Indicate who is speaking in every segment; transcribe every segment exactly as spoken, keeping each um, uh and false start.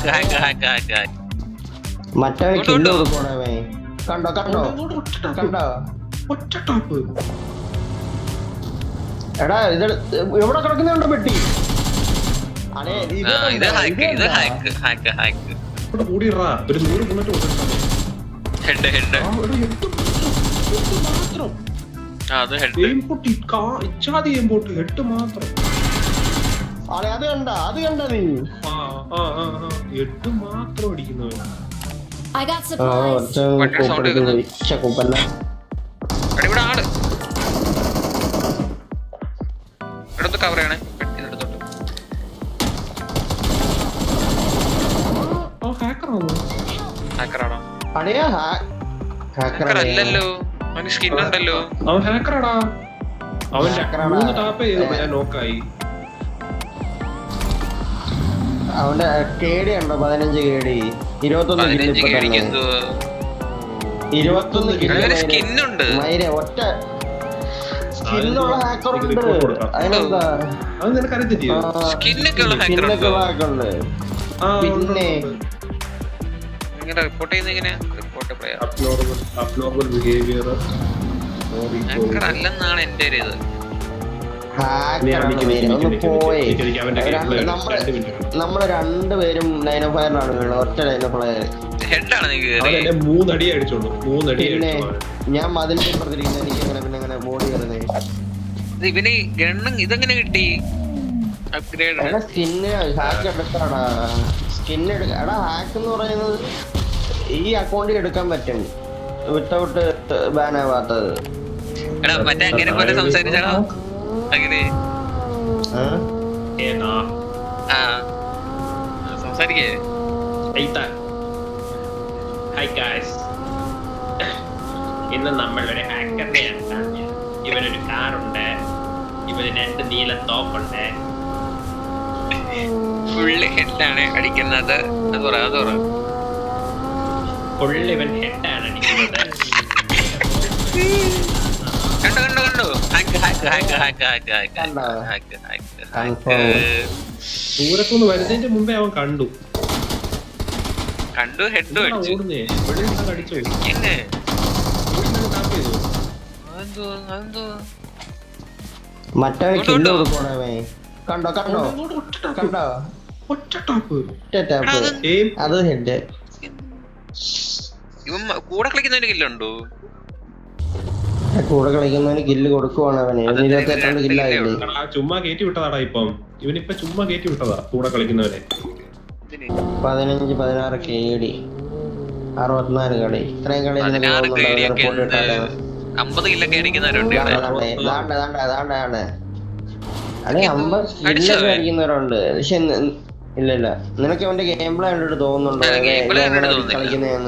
Speaker 1: മറ്റേ കില്ല് കൊടുക്കണേ കണ്ടോ കണ്ടോ കണ്ടോ എടാ ഇത് എവിടെ കിടക്കുന്നുണ്ടോ പെട്ടി അത് കണ്ട അത് കണ്ട നീ
Speaker 2: എട്ട് മാത്രം അടിക്കുന്നു.
Speaker 3: അല്ലല്ലോ അവന് സ്കിൻ ഉണ്ടല്ലോ.
Speaker 2: അവൻ ഹാക്കറാടാ. അവൻ മൂന്ന് ടാപ്പ് ചെയ്തു ഞാൻ നോക്കായി.
Speaker 1: അവന്റെ കേടി ഉണ്ടോ? പതിനഞ്ച് കേടി ഇരുപത്തൊന്ന് ഇരുപത്തൊന്ന്
Speaker 3: സ്കിന്നുണ്ട്.
Speaker 1: ഒറ്റ സ്കിന്നുള്ള ഹാക്കറുണ്ട്. അതിനെന്താ
Speaker 3: സ്കിന്നൊക്കെ ഉള്ള ഹാക്കറുണ്ട്.
Speaker 1: പിന്നെ
Speaker 3: റിപ്പോർട്ട് ചെയ്യുന്ന എങ്ങനെയാ? റിപ്പോർട്ട് അല്ലെന്നാണ് എന്റെ ഒരു ഇത്.
Speaker 1: നമ്മള് രണ്ടുപേരും ലൈൻ ഓഫ് ഫയറിലാണ് വീണത്. ഒറ്റ ലൈൻ ഓഫ് ഫയർ
Speaker 2: മൂന്നടി അടിച്ചോളൂ. മൂന്നടി.
Speaker 1: പിന്നെ ഞാൻ മതിലിന്റെ ഇപ്പുറത്തിരിക്കുന്നത്. എനിക്ക് അങ്ങനെ പിന്നെ അങ്ങനെ ബോഡി കയറുന്നേ.
Speaker 3: ഇവന് ഗണ്ണും ഇതെങ്ങനെ കിട്ടി? അപ്ഗ്രേഡ്
Speaker 1: സ്കിന്ന് ഹാക്ക് എടുക്കാടാ. സ്കിന്ന് എടുക്ക എടാ. ഹാക്ക് എന്ന് പറയുന്നത് ഈ അക്കൗണ്ടിൽ എടുക്കാൻ പറ്റും വിത്തൗട്ട് ബാൻ ആവാത്തത്.
Speaker 3: മറ്റേ അങ്ങനെ പോലെ സംസാരിച്ചാണോ? അങ്ങനെ സംസാരിക്കേ.
Speaker 2: ഇന്ന് നമ്മളൊരു ഹാക്കറിനെയാണ് കാണുന്നത്. ഇവനൊരു കാറുണ്ട്, ഇവന് രണ്ട് നീല തോക്കുണ്ട്.
Speaker 3: ഫുള്ള് ഹെഡാണ് അടിക്കുന്നത്. അത് പറ അത് പറ
Speaker 2: ഫുള്ള് ഇവൻ ഹെഡാണ് അടിക്കുന്നത്.
Speaker 3: കണ്ടോ കണ്ടോ കണ്ടോ hack hack hack hack hack hack hack hack.
Speaker 2: ദൂരത്തുനിന്ന് വരുന്നതിന്റെ മുമ്പേ അവൻ കണ്ടു
Speaker 3: കണ്ടു ഹെഡ് അടിച്ചു.
Speaker 1: മറ്റേ കില്ല് കൊടുക്കണേ കണ്ടോ കണ്ടോ കണ്ടോ അത് ഹെഡ്.
Speaker 3: ഇവൻ കൂടെ കളിക്കുന്നതിന് കില്ലുണ്ടോ?
Speaker 1: കൂടെ കളിക്കുന്നതിന് കില്ല് കൊടുക്കുവാണ് അവന്. ഇരുപത്തി എട്ടോണ്ട് കില്ലായില്ലേ?
Speaker 2: ചുമ്മാ കയറ്റി വിട്ടതാടാ. ഇപ്പം ഇവനിപ്പൊ ചുമ്മാ കയറ്റി വിട്ടതാ കൂടെ കളിക്കുന്നവനെ.
Speaker 1: പതിനഞ്ച് പതിനാറ് കേടി അറുപത്തിനാല് കളി. ഇത്രയും കളി
Speaker 3: അമ്പത് കില്ലൊക്കെ അടിക്കുന്നവരുണ്ട്.
Speaker 1: അതെ അമ്പത് കില്ലൊക്കെ അടിക്കുന്നവരുണ്ട്. പക്ഷെ ഇല്ല ഇല്ല നിനക്ക് അവന്റെ ഗെയിം പ്ലേ കണ്ടിട്ട് തോന്നുന്നുണ്ടോ കളിക്കുന്നതെന്ന്?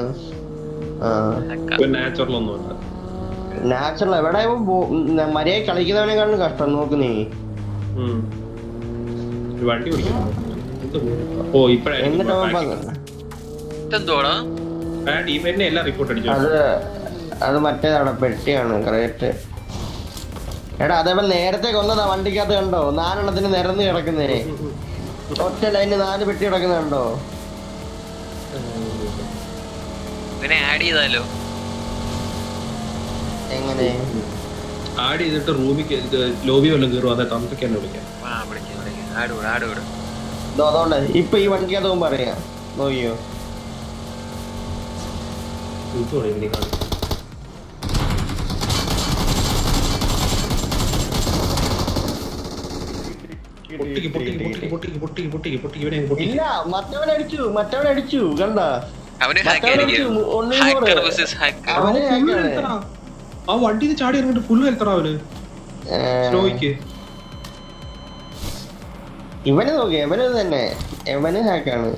Speaker 1: നാച്ചുറൽ എവിടെ മര്യാദ കളിക്കുന്നവനെക്കാളും കഷ്ടം. നോക്ക് നീ അത് അത് മറ്റേതാണ് പെട്ടിയാണ് ക്രേറ്റ്. എടാ അതേപോലെ നേരത്തെ കൊന്നതാ വണ്ടിക്കകത്ത് കണ്ടോ? നാലെണ്ണത്തിന് നിരന്ന് കിടക്കുന്നേ. ഒറ്റ ലൈന് നാല് പെട്ടി കിടക്കുന്ന കണ്ടോ?
Speaker 3: ആഡ് ചെയ്താലോ?
Speaker 1: എങ്ങനെ
Speaker 2: ആഡ് ചെയ്തിട്ട് റൂമിൽ ലോബി വല്ലതും കയറും. അതെ തമ്പിക്കാൻ വിളിക്കാം.
Speaker 1: അതുകൊണ്ട് ഇപ്പൊ ഈ വണ്ടിക്കകത്ത് പോകുമ്പോ അറിയാം. നോക്കിയോ ഇല്ല മറ്റവൻ അടിച്ചു. മറ്റവൻ അടിച്ചു കണ്ട.
Speaker 2: ആ വണ്ടി ചാടി ഇറങ്ങിട്ട് ഫുള്ള് ഹെൽത്തറാ അവന്.
Speaker 1: ഇവന് നോക്കി എവന് തന്നെ എവന് ഹാക്കാണ്.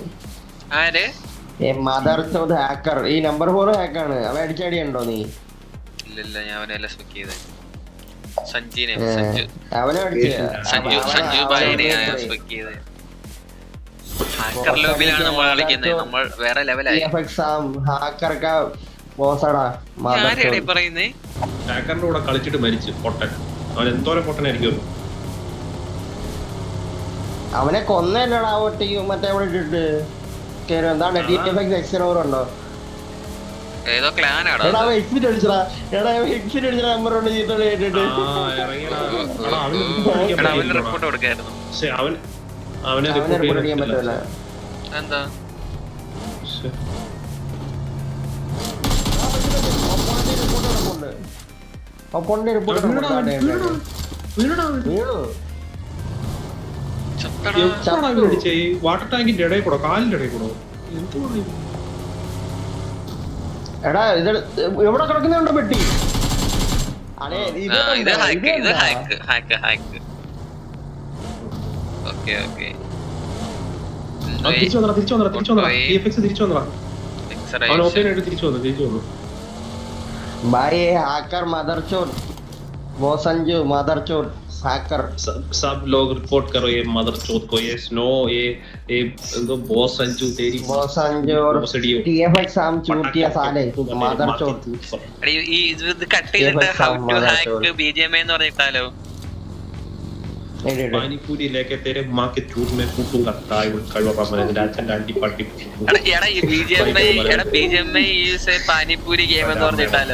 Speaker 1: മദർ ചൗദ് ഹാക്കർ. ഈ നമ്പർ ഫോർ ഹാക്കാണ്. അവൻ അടിച്ചടിയുണ്ടോ നീ?
Speaker 3: ഇല്ല ഞാൻ
Speaker 1: അവനെ അടിച്ചു.
Speaker 2: ഹാക്കറിന്റെ കൂടെ കളിച്ചിട്ട് മരിച്ചു പൊട്ടൻ. അവൻ എന്തോരം പൊട്ടനായിരിക്കും.
Speaker 1: അവനെ കൊന്നല്ലടാ ഒറ്റയ്ക്ക് മറ്റേ അവിടെ ഇട്ടിട്ട്. കേറും. എന്താണ് ടി എഫ് എക്സ് എക്സ് ഉണ്ടോ?
Speaker 3: ഏതോ ക്ലാനാടാ
Speaker 1: എടാ അവൻ എക്സിറ്റ് അടിച്ചടാ. എടാ അവൻ എക്സിറ്റ് അടിച്ച നമ്പർ കൊണ്ട് ചീത്തോളി കേട്ടിട്ട്.
Speaker 3: അവന് റിപ്പോർട്ട് കൊടുക്കായിരുന്നു.
Speaker 2: അവൻ അവനെ
Speaker 1: അവനെ റിപ്പോർട്ട് ചെയ്യാൻ പറ്റില്ല.
Speaker 3: എന്താ
Speaker 1: ഒപ്പോണിന്റെ റിപ്പോർട്ട് വീണു.
Speaker 2: വാട്ടർ ടാങ്കിന്റെ ഇടയിൽ കൂടോ കാലിന്റെ ഇടയിൽ കൂടോ എന്ത്
Speaker 1: എടാ ഇത് എവിടെ കിടക്കുന്നുണ്ടോ പെട്ടി? അതെ
Speaker 3: ഇത് ഹാക്ക് ഇത് hack hack hack okay okay
Speaker 2: തിരിച്ചു വന്നടാ തിരിച്ചു വന്നടാ തിരിച്ചു വന്നടാ ടി എഫ് എക്സ് തിരിച്ചു വന്നടാ അവൻ ഓപ്പൺ ആയിട്ട് തിരിച്ചു വന്നു തിരിച്ചു വന്നു
Speaker 1: भाई हैकर मदरचोद वो संजू मदरचोद हैकर
Speaker 2: सब सब लोग रिपोर्ट करो ये मदरचोद को ये स्नो ये ये तो बॉस संजू तेरी
Speaker 1: वो संजू और टीएफएक्स हम चूतिया साले मदरचोद
Speaker 3: അടി ഈ ഇത് കട്ട് ചെയ്തിട്ട് ഹൗ ടു ഹാക്ക് ബിജിഎംഐ എന്ന് പറഞ്ഞിട്ടാലോ
Speaker 2: पानी पूरी लेके तेरे मां के चूत में फूटूंगा ताई उड़ कड़वा मैंने डांचन डांटी पार्टी
Speaker 3: എടാ എടാ ഈ ബിജിഎംഐ എടാ ബിജിഎംഐ ഈസ് പാനിപൂരി ഗെയിം എന്ന് പറഞ്ഞിട്ടാലോ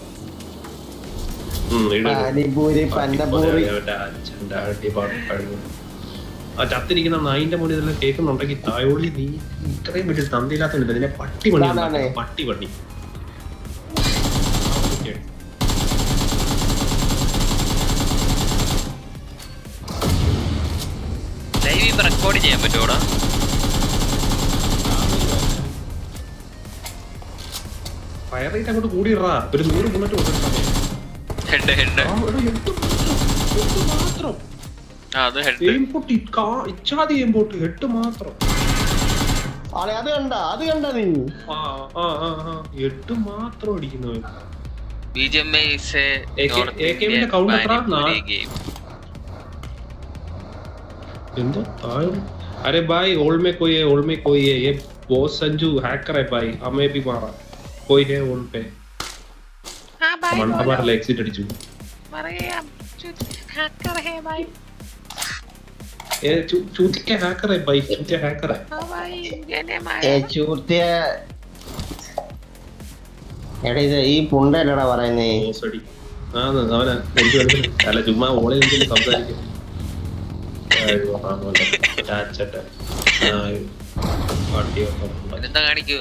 Speaker 2: हम्म
Speaker 1: പാനിപൂരി പന്നപൂരി
Speaker 2: डांचन डांटी पार्टी कड़वा ആ ചത്തിരിക്കുന്ന നായിന്റെ മുന്നിൽ ഇതെല്ലാം കേൾക്കുന്നുണ്ടെങ്കിൽ തായോളി നീ ഇത്രയും വീട്ടിൽ തന്തിയില്ലാത്തതുണ്ട് ഇതിനെ പട്ടി പണി പട്ടി പണി
Speaker 3: ലൈവ് ഇപ്പൊ റെക്കോർഡ് ചെയ്യാൻ പറ്റുമോടാ?
Speaker 2: ഫയർ റേറ്റ് അങ്ങോട്ട് കൂടിയിടാ ഒരു നൂറ് ബുള്ളറ്റ്
Speaker 3: ഹെഡ് ഹെഡ്
Speaker 2: മാത്രം
Speaker 3: അത് ഹെഡ്
Speaker 2: ഇച്ചാതി എമ്പോട്ട് ഹെഡ് മാത്രം
Speaker 1: അത് കണ്ട അത് കണ്ട നീ
Speaker 2: എട്ട് മാത്രം അടിക്കുന്നു
Speaker 3: ബിജിഎംഐ ഈസ് എ
Speaker 2: എകെഎമ്മിന്റെ കൗണ്ട് എത്ര
Speaker 3: ഗെയിം
Speaker 2: എന്തോ अरे भाई ओल्ड में कोई है ओल्ड में कोई है ये बॉस संजू हैकर है भाई हमें भी मारा कोई है ओल्ड पे हां भाई हमारा एग्जिट अടിച്ചു
Speaker 3: പറയാ हैकर है भाई
Speaker 2: ये चूतिया हैकर है भाई चूतिया हैकर है
Speaker 3: हां भाई इन्हें मार
Speaker 1: ഏ ചൂത്തിയ എടാ ഇത് ഈ പുണ്ടല്ലടാ പറയുന്നേ
Speaker 2: ബോസ് അടി ആ അവനെ എനിക്ക് അല്ല ചുമ്മാ ഓളെ എന്തിന് സംസാരിക്കും
Speaker 3: എന്താ കാണിക്കൂ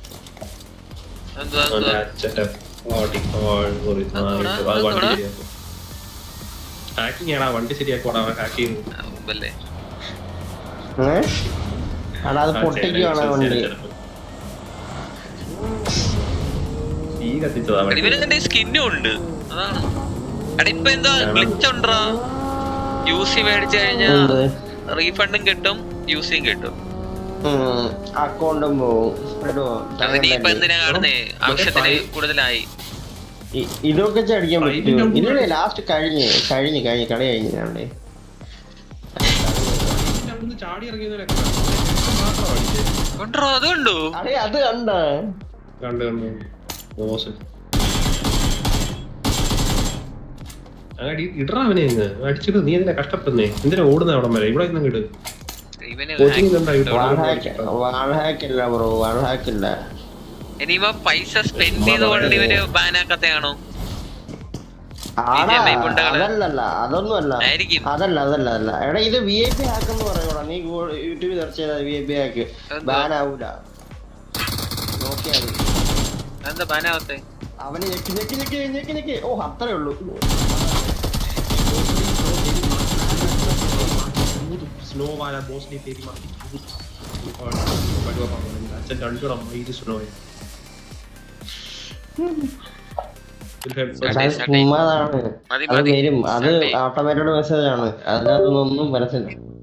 Speaker 2: ഹാക്കിംഗ് ആണോ വണ്ടി ശരിയാക്കോടാ ഹാക്കിംഗ്
Speaker 1: അടാ അത് പൊട്ടിക്കുവാണ് വണ്ടി
Speaker 2: ഈ കത്തിച്ചതാ
Speaker 3: ഇവരെന്താ സ്കിന്നും ഉണ്ട് അതാണ് എടാ ഇപ്പൊ എന്താ ഗ്ലിച്ച് ഉണ്ടോ യൂസി മേടിച്ചു കഴിഞ്ഞാൽ റീഫണ്ടും കിട്ടും യൂസിയും കിട്ടും
Speaker 1: അക്കൗണ്ടും പോവും
Speaker 3: ഇനിയിപ്പൊ എന്തിനാ കാണുന്നേ ആവശ്യത്തിന് കൂടുതലായി
Speaker 1: ഇതൊക്കെ ചടിക്കാൻ പറ്റും ഇല്ലേ ലാസ്റ്റ് കഴിഞ്ഞ് കഴിഞ്ഞ് കഴിഞ്ഞ് കളി കഴിഞ്ഞാണ്ടേ
Speaker 2: ചാടി
Speaker 3: അതുണ്ടോ
Speaker 1: അടേ അത് കണ്ട
Speaker 2: കണ്ട് കണ്ട് മോശം ഇടറാവനെ അടിച്ചിട്ട് നീ എന്തിനാ കഷ്ടപ്പെടുന്നേ എന്തിനാ ഓടുന്ന അവിടം വരെ ഇവിടെ ഇന്നും കിട്
Speaker 3: ഇനിയിപ്പോ പൈസ സ്പെൻഡ് ചെയ്തുകൊണ്ട് ഇവര് ബാനാക്കത്തെയാണോ?
Speaker 1: അതല്ലല്ല അതൊന്നും അല്ല അതല്ല അതല്ല അതല്ല എടാ ഇത് വി ഐ പി ഹാക്ക് എന്ന് പറയൂടാ നീ യൂട്യൂബിൽ സെർച്ച് ചെയ്താൽ V I P hack ban ആവൂല നോക്കിയാ
Speaker 3: എന്താ ബാനാവത്തെ
Speaker 1: അവന് ഞെക്കി ഞെക്കി ഞെക്കി ഞെക്കി ഞെക്കി ഓ അത്രേ ഉള്ളൂ
Speaker 2: स्नो वाला बॉस ने तेरी मां अच्छा डंडो रम ये स्नो है
Speaker 1: അത് വരും അത് ഓട്ടോമാറ്റഡ് മെസ്സേജ് ആണ് അതിനകത്തൊന്നും പരസ്യം